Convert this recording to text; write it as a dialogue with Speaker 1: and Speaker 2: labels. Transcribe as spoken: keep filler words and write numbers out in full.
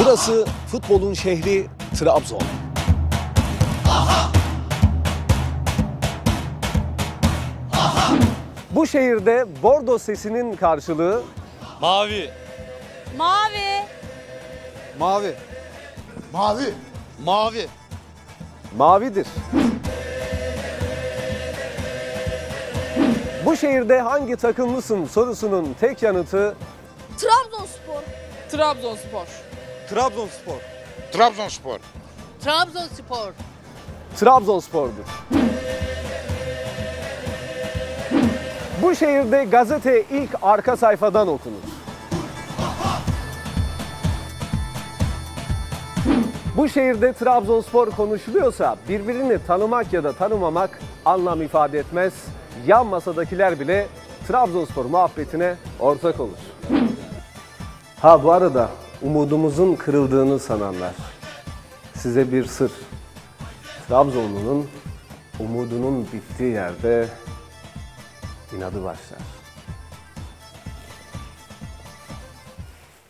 Speaker 1: Burası futbolun şehri Trabzon. Bu şehirde bordo sesinin karşılığı
Speaker 2: Mavi.
Speaker 3: Mavi.
Speaker 4: Mavi. Mavi. Mavi.
Speaker 1: mavidir. Bu şehirde hangi takımlısın sorusunun tek yanıtı
Speaker 3: Trabzonspor.
Speaker 5: Trabzonspor.
Speaker 4: Trabzonspor.
Speaker 6: Trabzonspor.
Speaker 5: Trabzonspor.
Speaker 1: Trabzonspor'dur. Bu şehirde gazete ilk arka sayfadan okunur. Bu şehirde Trabzonspor konuşuluyorsa birbirini tanımak ya da tanımamak anlam ifade etmez. Yan masadakiler bile Trabzonspor muhabbetine ortak olur. Ha bu arada umudumuzun kırıldığını sananlar. Size bir sır. Trabzonlu'nun umudunun bittiği yerde inadı başlar.